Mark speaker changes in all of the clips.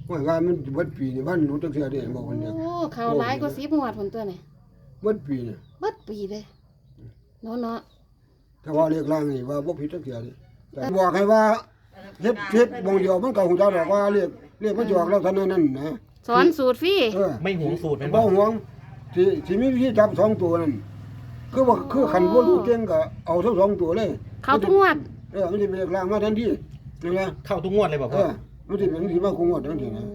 Speaker 1: ว่ามันเบิดปีนี่วันรู้จักเทื่อเด้บอกคนเดียว
Speaker 2: โอ้เขาหลายกว่า10งวดพุ่นตัวนี่
Speaker 1: เบิดปีนี่
Speaker 2: เบิดปีเลยเนาะ
Speaker 1: ถ้าว่าเรียกร่างนี่ว่าบ่ผิดจักเทื่อนี่แต่บอกให้ว่าเฮ็ดบ่งเดียวมันก็ฮู้จักดอกว่าเรียกมันสิออกลักษณะนั้นนะ
Speaker 2: สอนสูตรฟรี
Speaker 3: ไม่หวงสูตรแม่น
Speaker 1: บ่
Speaker 3: บ่
Speaker 1: ห่วงสิมีวิธีจับสองตัวนั่นคือคันบ่รู้เก่งก็เอาทั้งสองตัวเลย
Speaker 2: เขาทุกงวด
Speaker 1: มันสิเป็นเรียกร่างมาทันทีนี่นะ
Speaker 3: เข้าทุกงวดเลยบ่พ่อ
Speaker 1: มันสิเป็นสิมาคงงวดทันทีนะ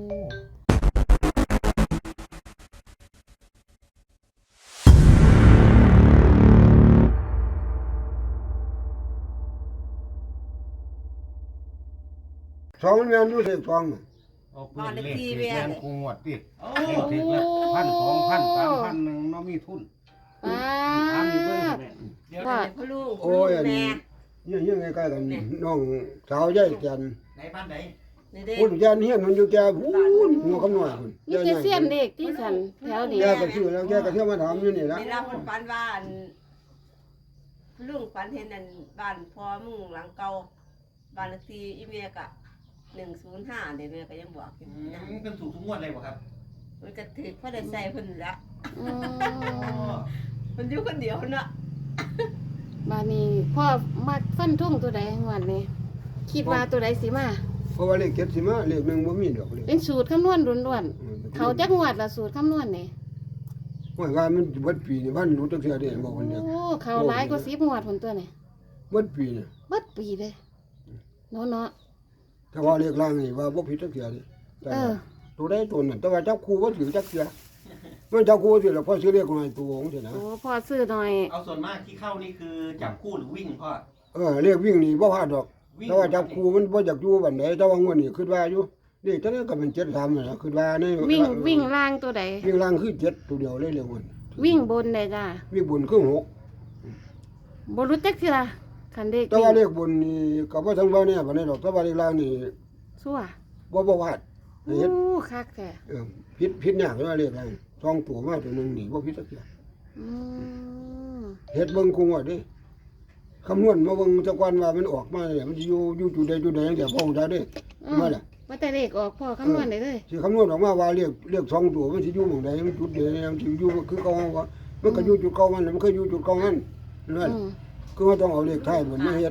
Speaker 1: สองมันแม่นอยู่เสกสอง
Speaker 4: เอาปืนเลขที่แม่นคงวดติเลขที่ละ1,000 2,000 3,000นึงเนาะมีทุน
Speaker 2: ป้า
Speaker 4: ถามอยู่เบิ่ง
Speaker 5: เดี๋ยว
Speaker 2: ว่า
Speaker 5: พ่อลูก
Speaker 1: โอ้ยอันนี้ยังใกล้ๆกันน้องสาวยายแก่น
Speaker 3: ไหนบ้านไหน
Speaker 5: นี่เด้
Speaker 1: พุ่นแก่นเฮียนมันอยู่แก่พูนหัวคำน้อยพุ่น
Speaker 2: มีแต่เสี้ยนเด็กที่สันแถวนี้
Speaker 1: แกก็ชื่อแล้วแกก็เที่ยวมาถามอยู่นี่ละ
Speaker 5: เวลาคนฝันว่าอันลุงฝันเห็นอันบ้านพ่อมึงหลังเก่าบ้านเลขที่อีเมียก็105เดี๋ยวแม่ก็ยังบอกอยู่นะ
Speaker 3: เป็นสูตรทุกงวดเลยบ่ครับ
Speaker 5: มันก็ถือพ่อได้ใส่เพิ่นละ
Speaker 2: อืม
Speaker 5: มันอยู่คนเดียวเนาะ
Speaker 2: บ้านนี้พ่อมักฟันทุ่งตัวใดงวดนี้คิดว่าตัวใดสิมา
Speaker 1: เพราะว่าเลข7สิมาเลขหนึ่งบ่มีดอกเลข
Speaker 2: เป็นสูตรคำนวณล้วนๆเขาจักงวดละสูตรคำนวณนี่
Speaker 1: ว่ามันเบิดปีนี่วันรู้จักเทื่อเด้บอกคนเดียว
Speaker 2: โอ้เขาหลายกว่า10งวดพุ่นตัวนี่
Speaker 1: เบิดปีนี่
Speaker 2: เบิดปีเลยเนาะ
Speaker 1: ถ้าว่าเลขล่างนี่ว่าบ่ผิดจักเทื่อนี่แต่
Speaker 2: เออ
Speaker 1: ตัวใดตัวนั้นแต่ว่าจับคู่บ่ถือจักเทื่อมันจับคู่สิแล้วพอซื้อเลขหน่อยตัวของสินะ
Speaker 2: โอ้พ่อซื้อหน่อย
Speaker 3: เอาส่วนมากที่เข้านี่คือจับคู่หรือวิ่งพ่อ
Speaker 1: เลขวิ่งนี่บ่พลาดดอกแต่ว่าจับคู่มันบ่อยากอยู่บัดใดแต่ว่างวดนี้คิดว่าอยู่เลขตัวนี้ก็เป็น73นั่นล่ะคิดว่าใน
Speaker 2: วิ่งล่างตัวใด
Speaker 1: วิ่งล่างคือ7ตัวเดียวเลยเร็วมัน
Speaker 2: วิ่งบนได้จ้า
Speaker 1: วิ่งบนคือ6
Speaker 2: บ่รู้จักเทื่อคันเด็ก
Speaker 1: แต่ว่าเลขบนนี่ก็บ่ทั้งว่าเนี่ยบัดนี้ดอกแต่ว่าเลขล่างนี่
Speaker 2: ซั่ว
Speaker 1: บ่วาด
Speaker 2: โอ้
Speaker 1: เฮ็ด
Speaker 2: คักแท้
Speaker 1: ผิดยากเลยว่าเลขล่างสองตัวมาตัวหนึงนี่บ่ผิดจักเทื่อ
Speaker 2: อืม
Speaker 1: เฮ็ดเบิ่งคงว่าเด้คำนวณมาเบิ่งจักวันว่ามันออกมาเนี่ยมันสิอยู่จุดใดจังซี่พ่อได้เด้มาล่ะ
Speaker 2: ว่าแต่เลขออกพ่อคำนวณได้เลย
Speaker 1: สิคำนวณออกมาว่าเลขสองตัวมันสิอยู่หม่องใดมันจุดใดมันสิอยู่คือเก่าว่ามันก็อยู่จุดเก่ามันเคยอยู่จุดเก่านั่นนั่น
Speaker 2: อืม
Speaker 1: คือว่าต้องเอาเลขท้ายมันมาเฮ็ด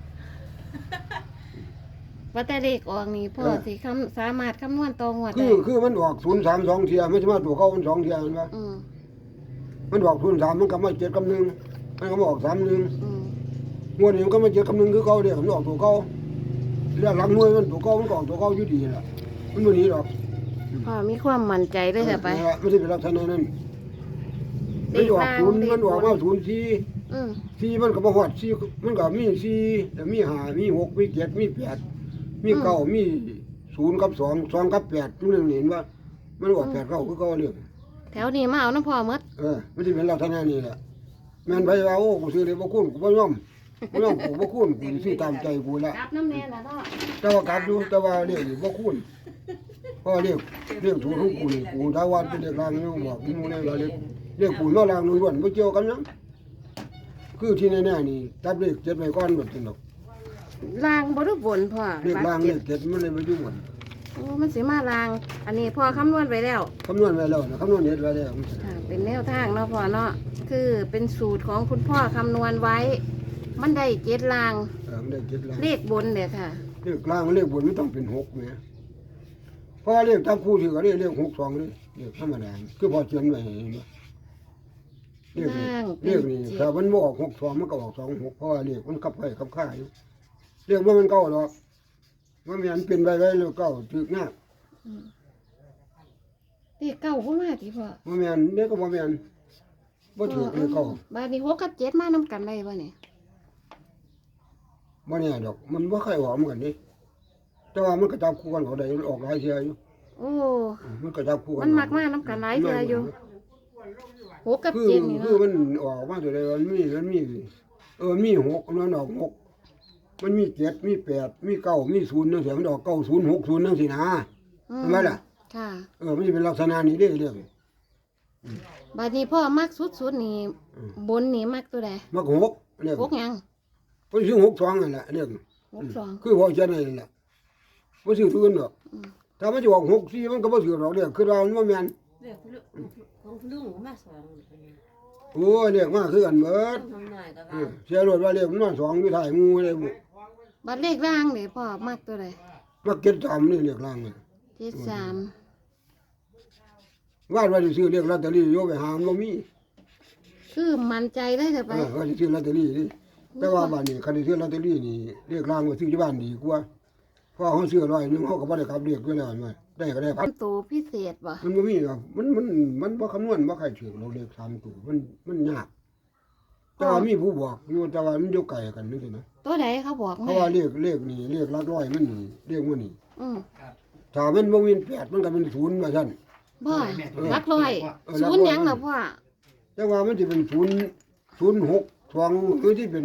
Speaker 2: ว่าแต่เลขออกนี่พ่อสิสามารถคำนวณตรงว่า
Speaker 1: คื
Speaker 2: ได้
Speaker 1: อมันออก032เที่ยมันสิมาตัวเก่ามัน2เที่ยมันว่า
Speaker 2: อืม
Speaker 1: มันออก03มันก็มา7กับ1มันก็มาออก31
Speaker 2: อืม
Speaker 1: งวดนี้มันก็มา7กับ1คือเก่าเด้มันออกตัวเก่าเรื่องหลังหน่วยมันตัวเก่ามันก็ออกตัวเก่าอยู่ดีล่ะมันบ่หนีหรอก
Speaker 2: พ่อมีความมั่นใจเลยแต่ไป
Speaker 1: มันสิเป็นลักษณะนั้น
Speaker 2: เล
Speaker 1: มัน
Speaker 2: ข
Speaker 1: ออก
Speaker 2: ล่าง
Speaker 1: 0มันออกมา04
Speaker 2: อืม
Speaker 1: 4มันก็บ่ฮอด4มันก็มี4แล้วมี5มี6มี7มี8มี9มี0กับ2 2กับ8จุดนึงเห็นว่ามันออก8 9คือเก่าเรื่อง
Speaker 2: แถวนี้มาเอาน้ำพ่อหมด
Speaker 1: มันสิเป็นลักษณะนี้แหละแม่นไปว่าโอ้กูซื้อเลยบ่คุ้นกูบ่ยอมกูบ่คุ้นกูสิซื้อตามใจกูละ
Speaker 2: กลับน้ำแน่น่ะเนาะ
Speaker 1: แต่ว่ากลับอยู่แต่ว่าเรื่องนี้บ่คุ้นเพราะเรื่องถูกของกูนี่กูถ้าว่าเป็นเรื่องรางนี่บอกกูได้ว่าเรื่องกูนอรางล้วนๆบ่เกี่ยวกันหยังคือที่แน่ๆนี่จับเลข7ไว้ก่อนบ่จังดอก
Speaker 2: ล่างบ่รู้บนพ่อ
Speaker 1: เลขรางเลข7มันเลยบ่อยู่หมด
Speaker 2: โอ้มันสิมาล่าง อันนี้พ่อคำนวณไว้แล้ว
Speaker 1: คำนวณไว้แล้วนะคำนวณเฮ็ดไว้แล้ว
Speaker 2: ค่ะเป็นแนวทางเนาะพ่อเนาะคือเป็นสูตรของคุณพ่อคำนวณไว้ มันได้เจ็ดล่าง
Speaker 1: มันได้7ราง
Speaker 2: เลขบนเด้อค่ะ
Speaker 1: เลขรางเลขบนมันต้องเป็น6แหมเพราะว่าเลขตามคู่ที่ก็เลข62นี่เลขธรรมดาคือพอเขียนไว้เห็นบ่ เรียกนี่ถ้ามันบ่ออก62มันก็ออก26เพราะว่าเรียกมันขับไปขับค่าอยู่เรียกว่ามันเก่าดอกมันมีอันเป็นไว้แล้วเก่าถึกยาก
Speaker 2: เลขเก้าบ่มาติพ่อ
Speaker 1: มันมีอันเด็กก็บ่มีอันบ่ถึกเลยเก่า
Speaker 2: บาดนี้6กับ7มานํกันได้บ่เนี่ย
Speaker 1: บ่แน่ดอกมันบ่ค่อยออกเหมือนกันนี่แต่ว่ามันก็จับคู่กันเขาได้ออกหลายเที่ยอยู่
Speaker 2: โอ้
Speaker 1: มันก็จับคู่กัน
Speaker 2: มันมักมานํกันหลายเทื่ออยู่6กับ
Speaker 1: คือ
Speaker 2: 7นี่
Speaker 1: คือ
Speaker 2: เนาะ
Speaker 1: มันออกมาตัวใดมันมีมี6มันออก6มันมี7มี8มี9มี0จังซี่มันออก90 60จังซี่นะ
Speaker 2: อื
Speaker 1: เห็นไหมล่ะ
Speaker 2: ค่ะ
Speaker 1: มันสิเป็นลักษณะนี้เด้เรื่อง
Speaker 2: บาดนี้พ่อมักสุดๆนี่บนนี่มักตัวใด
Speaker 1: มัก6เรื่อง
Speaker 2: 6หยัง
Speaker 1: บ่ซื้อ62นั่นแหละเรื่อง
Speaker 2: 62
Speaker 1: คือพอจะนั่นแหละบ่ซื้อทุนดอกถ้ามันจะออก6-4มันก็บ่ถือหรอกเด้อคือว่ามันบ่แม่น
Speaker 5: เรียกของลุงมาสอง
Speaker 1: โอ้ยเรียกมาคือกันเบิด
Speaker 5: ทำหน่อยก็
Speaker 1: เอ
Speaker 5: ว่า
Speaker 1: อเสียรถว่าเรียกมันมา2อยู่ท้ายหมู่เลยบุ
Speaker 2: บัตรเลขร่างนี่พ่อมักตัวใด
Speaker 1: มาเก็บตามนี่เรียกล่างนี่
Speaker 2: 73
Speaker 1: ว่าสิซื้อเรียกลอตเตอรี่อยู่ไปหามันบ่มี
Speaker 2: คือมั่นใจได้เถอะไป
Speaker 1: ว่าสิซื้อลอตเตอรี่นี่แต่ว่าบัดนี้คันสิซื้อลอตเตอรี่นี่เรียกล่างไว้ซื้อที่บ้านดีกว่าเพราะเฮาซื้อ100นึงเฮาก็บ่ได้ขับเรียกไว้แล้วมันได้ก็ได้พัน
Speaker 2: ตัวพิเศษบ่
Speaker 1: มันบ่มีหรอกมันบ่คำนวณบ่ใครถือเราเลข3ตัวมันยากแต่ว่ามีผู้บอกอยู่แต่ว่ามันอยู่ไกลกันนึงสินะ
Speaker 2: ตัวใดเขาบอก
Speaker 1: เพราะว่าเลขนี่เลขหลักร้อยมันนี่เลขมันนี่
Speaker 2: อืม
Speaker 1: ถ้ามันบ่มี8มันก็เป็น0ว่าซั่น
Speaker 2: บ่รักร้อย ศูนย์หยังล่ะพ่อ
Speaker 1: แต่ว่ามันสิเป็น006 2หรือที่เป็น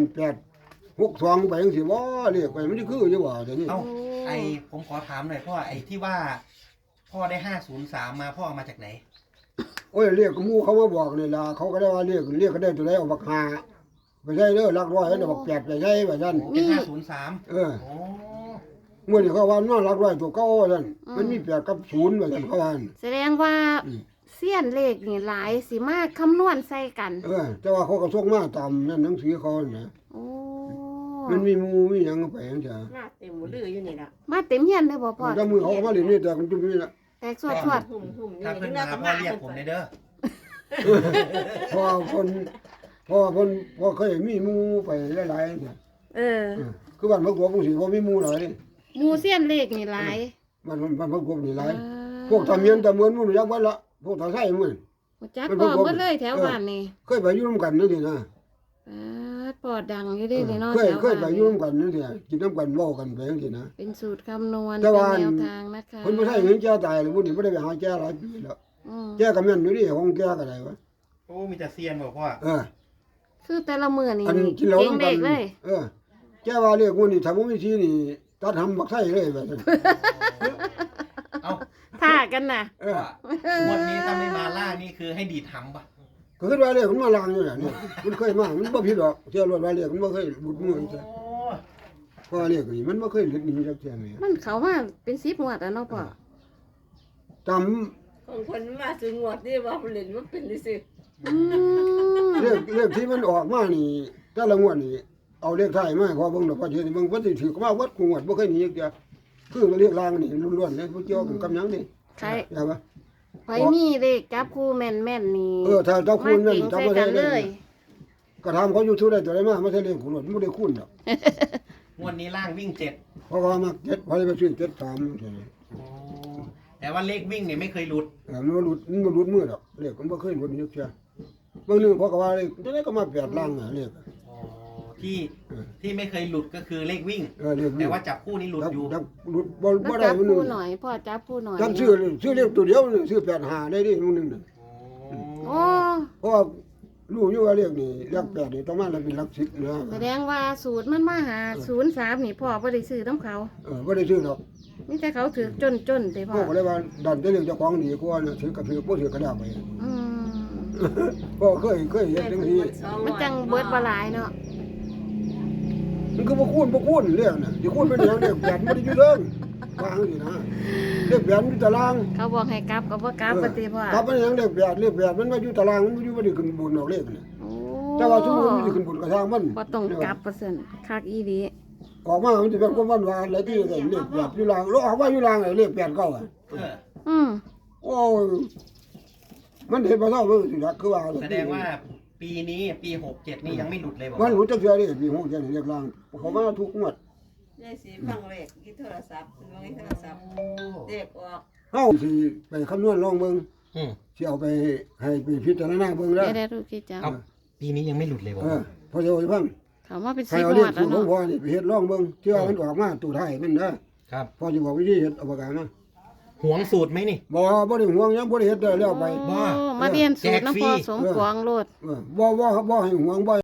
Speaker 1: 862ไปจังซี่บ่เลขไปมันสิคืออยู่ว่าแต่นี่
Speaker 3: เอ้าผมขอถามหน่อยพ่อไอ้ที่ว่าพ่อได้503มาพ่อเอามาจากไหน
Speaker 1: โอ้ยเลขหมู่เขามาบอกนี่ล่ะเขาก็ได้ว่าเลขก็ได้ตัวใดเอาบัก5ไปใช้เด้อหลักร้อยแล้วบัก8ไปใช้ว่าซั่น
Speaker 3: เป็น503
Speaker 1: เออ
Speaker 3: โอ้
Speaker 1: เมื่อนี่เขาว่ามันหลักร้อยตัวเก่าว่าซั่นมันมี8กับ0ว่าซั่นเขาว่า
Speaker 2: แสดงว่าเสี้ยนเลขนี่หลายสิมาคำนวณใส่กัน
Speaker 1: แต่ว่าเขาก็ส่งมาตามนั่นหนังสือเขาน่ะ
Speaker 2: โอ้
Speaker 1: มันมีหมู่มีหยังไปจังซี่
Speaker 5: หน้าเต็มมืออยู่นี่ล่ะ
Speaker 2: มาเต็มเฮียนเลยบ่พ่อ
Speaker 1: ถ้ามือเขาก็มาเล่นนี่แต่มันจุ่มนี่ล่ะ
Speaker 2: แตกสวดสวด
Speaker 5: หุ่มนี่
Speaker 3: ถ้าเพิ่นมาพ่อเรียกผมเลยเด้อ
Speaker 1: พอคนพอเคยมีหมู่ไปหลายๆเนี่ย
Speaker 2: เออ
Speaker 1: คือบ้านพระกวงสิบ่มีหมู่หลายนี่
Speaker 2: หมู่เสี้ยนเลขนี่หลาย
Speaker 1: บ้านพระกวงนี่หลาย
Speaker 2: อ่า
Speaker 1: พวกทำเมียนตะเมือนหมู่รู้จักเบิดละพวกทาไส้หมู่
Speaker 2: รู้จักพ่อเบิดเลยแถวบ้านนี่
Speaker 1: เคยไปอยู่นํกันนั่นสินะ
Speaker 2: ปอดังอยู่เด้นี่เนาะ
Speaker 1: เคย
Speaker 2: แถว
Speaker 1: เคยไป
Speaker 2: บ้าน
Speaker 1: อยู่นํกันนั่นสิกินน้ำกันเว้ากันไปจังซี่นะ
Speaker 2: เป็นสูตรคำนวณ
Speaker 1: แต่
Speaker 2: เป็น
Speaker 1: ว่า
Speaker 2: แนวทางนะคะ
Speaker 1: เพิ่นบ่ใช่เงินแก่ตายเลยพวกนี้บ่ได้ไปหาแก่หลายปีแล้ว
Speaker 2: อืม
Speaker 1: แก่ก็แม่นอยู่ดิของแก่ก็ได้วะ
Speaker 3: โอ้มีแต่เซียนบอกพ่อ
Speaker 2: คือแต่ละมื้อนี่
Speaker 1: อันกินเหล้า
Speaker 2: เก่ง
Speaker 1: นำกั
Speaker 2: เด็
Speaker 1: น
Speaker 2: กเลย
Speaker 1: แก่ว่าเรียกว่านี่ถ้าบ่มีทีนี่ตัดหำบักไส้เลยแบบนั้น
Speaker 3: เอ้า
Speaker 2: ท่ากันน่ะ
Speaker 3: งวดนี้ถ้าไม่มาล่านี่คือให้ดีดทำปะ
Speaker 1: ก็คือว่าเรียกมันมาลางอยู่น่ะนี่มันเคยมามันบ่ผิดดอกเชื่อรถว่าเรียกมันบ่เคยบุดมือจังเพราะว่าเรียกนี่มันบ่เคยหลุดหนีจักเที่ยแม่
Speaker 2: มันเขามาเป็น10งวดแล้วเนาะพ่อ
Speaker 1: จำ
Speaker 5: ของคนมาซื้องวดนี่ว่าเล่นมันเป็นสิ
Speaker 2: อืม
Speaker 1: เลขที่มันออกมานี่แต่ละงวดนี่เอาเลขท้ายมาให้พอเบิ่งดอกพอเฮ็ดให้เบิ่งเพิ่นสิถือมาวัดกูงวดบ่เคยหนีจักเที่ยคือเรียกลางนี่ล้วนๆเลยบ่เกี่ยวกับหยังนี่
Speaker 2: ใคร
Speaker 1: ใช่ปะ
Speaker 2: ไผมีเลขจับคู่แม่นๆนี่
Speaker 1: ถ้าเจ้าคูณนั่น
Speaker 2: มา
Speaker 1: จำ
Speaker 2: เก่ง
Speaker 1: บ่
Speaker 2: ใส่
Speaker 1: ได้
Speaker 2: กัน
Speaker 1: เล
Speaker 2: เลย ย
Speaker 1: ก็ถามเขาอยู่ทุได้ตัวใดมาไม่ใช่เลขคูณหรอกบ่ได้คูณดอก
Speaker 3: งวดนี้ล่างวิ่ง7
Speaker 1: เพราะว่ามัก7พอได้ไปซื้อ7 3จังซี่
Speaker 3: โอ้แต่ว่าเลขวิ่งเนี่ยไม่เคยหลุด
Speaker 1: มันบ่หลุดมือดอกเลขมันบ่เคยหลุดจักเที่ยบางนึงเพราะก็ว่าเลขตัวใดก็มา8ล่างเลข
Speaker 3: ที่ไม่เคยหลุดก็คือเลขวิ่ง
Speaker 1: เลข
Speaker 3: แต่ว่าจับคู่นี่หลุดอยู่
Speaker 1: จับหลุดบ่
Speaker 2: แล้ว
Speaker 1: ได้
Speaker 2: จับ
Speaker 1: มื้อนึ
Speaker 2: คู่
Speaker 1: ง
Speaker 2: หน่อยพ่อจับคู่หน่อย
Speaker 1: จำซื้อเลขตัวเดียวซื้อ85ได้ดิมื้อนึงน่ะ
Speaker 2: โอ้
Speaker 1: เพราะว่ารู้อยู่ว่าเลขนี่เลข8นี่ต้องมาแล้วเป็นหลัก10นะ
Speaker 2: แสดงว่าสูตรมันมาหา03นี่พ่อบ่ได้ซื้อน้ำเขา
Speaker 1: บ่ได้ซื้อดอก
Speaker 2: มีแต่เขาถือจนๆแต่พ่
Speaker 1: พ่
Speaker 2: อ
Speaker 1: อก็เลยว่าดันแต่เลขเจ้าของดีกว่านะถือกับถือบ่ถือก็ได้ไป
Speaker 2: อืม
Speaker 1: พ่อเคยเฮ็ดจังซี่
Speaker 2: มันจังเบิดบ่หลายเนาะ
Speaker 1: มันก็บ่คูณเรื่องน่ะสิคูณเป็นหยังเลข8บ่ได้อยู่เด้อวางสินะเลข8อยู่ตาราง
Speaker 2: เขาบอกให้กลับก็บ่กลับปฏิพ่อ
Speaker 1: ครับมันยังเลข8มันมาอยู่ตารางมันอยู่บ่ได้ขึ้นบนดอกเลขน่ะ
Speaker 2: โอ้
Speaker 1: แต่ว่าสมมุติมันสิขึ้นบนกระทางมัน
Speaker 2: บ่ต้องกลับเปอร์เซ็นต์คักอีหลี
Speaker 1: ออกมามันสิเป็นความหวานอะไรที่ได้เลข8อยู่ล่างแล้วออกมาอยู่ล่างไอ้เลข8 9อ่ะ
Speaker 3: เออ
Speaker 2: อืม
Speaker 1: โอ้ยมันเห็นบ่เท่าสิล่ะคือว่า
Speaker 3: แสดงว่าปีนี้ปี67นี่ยังไม่หลุดเลยบอก
Speaker 1: มันรู้จักเทื่อนี่ปี6จังเลขล่างเขามาทุกงวด
Speaker 5: ยายสีฟังเลขที่โทรศัพท์ฟังโทรศัพท์เด็กออก
Speaker 1: เฮาสิไปคำนวณลองเบิ่ง
Speaker 3: อืม
Speaker 1: สิเอาไปให้ไปพิจารณาเบิ่งแล้ว
Speaker 2: ได้ดูกี่จ้า
Speaker 3: เอาปีนี้ยังไม่หลุดเลยบอก
Speaker 1: พอจะเอาไปฟัง
Speaker 2: เขามาเป็น
Speaker 1: ให้
Speaker 2: 10
Speaker 1: เอา
Speaker 2: ง
Speaker 1: เล
Speaker 2: ว
Speaker 1: ข
Speaker 2: ด
Speaker 1: สู
Speaker 2: แล้
Speaker 1: ต
Speaker 2: ว
Speaker 1: รของ
Speaker 2: เนาะ
Speaker 1: พ่อนี่ไปเฮ็ดลองเบิ่งเชื่อมันออกมาตู้ไทยมันนะครับ พอสิบอกวิธีเฮ็ดเอาปากกามา
Speaker 3: หวงสูตรไหมนี่
Speaker 1: บ่ได้ห่วงหยังบ่ได้เฮ็ดได้แล้วไป
Speaker 2: โอ้มาเรียนสูตรน้ำพ่อสมปองโลด
Speaker 1: บ่ให้ห่วงบ่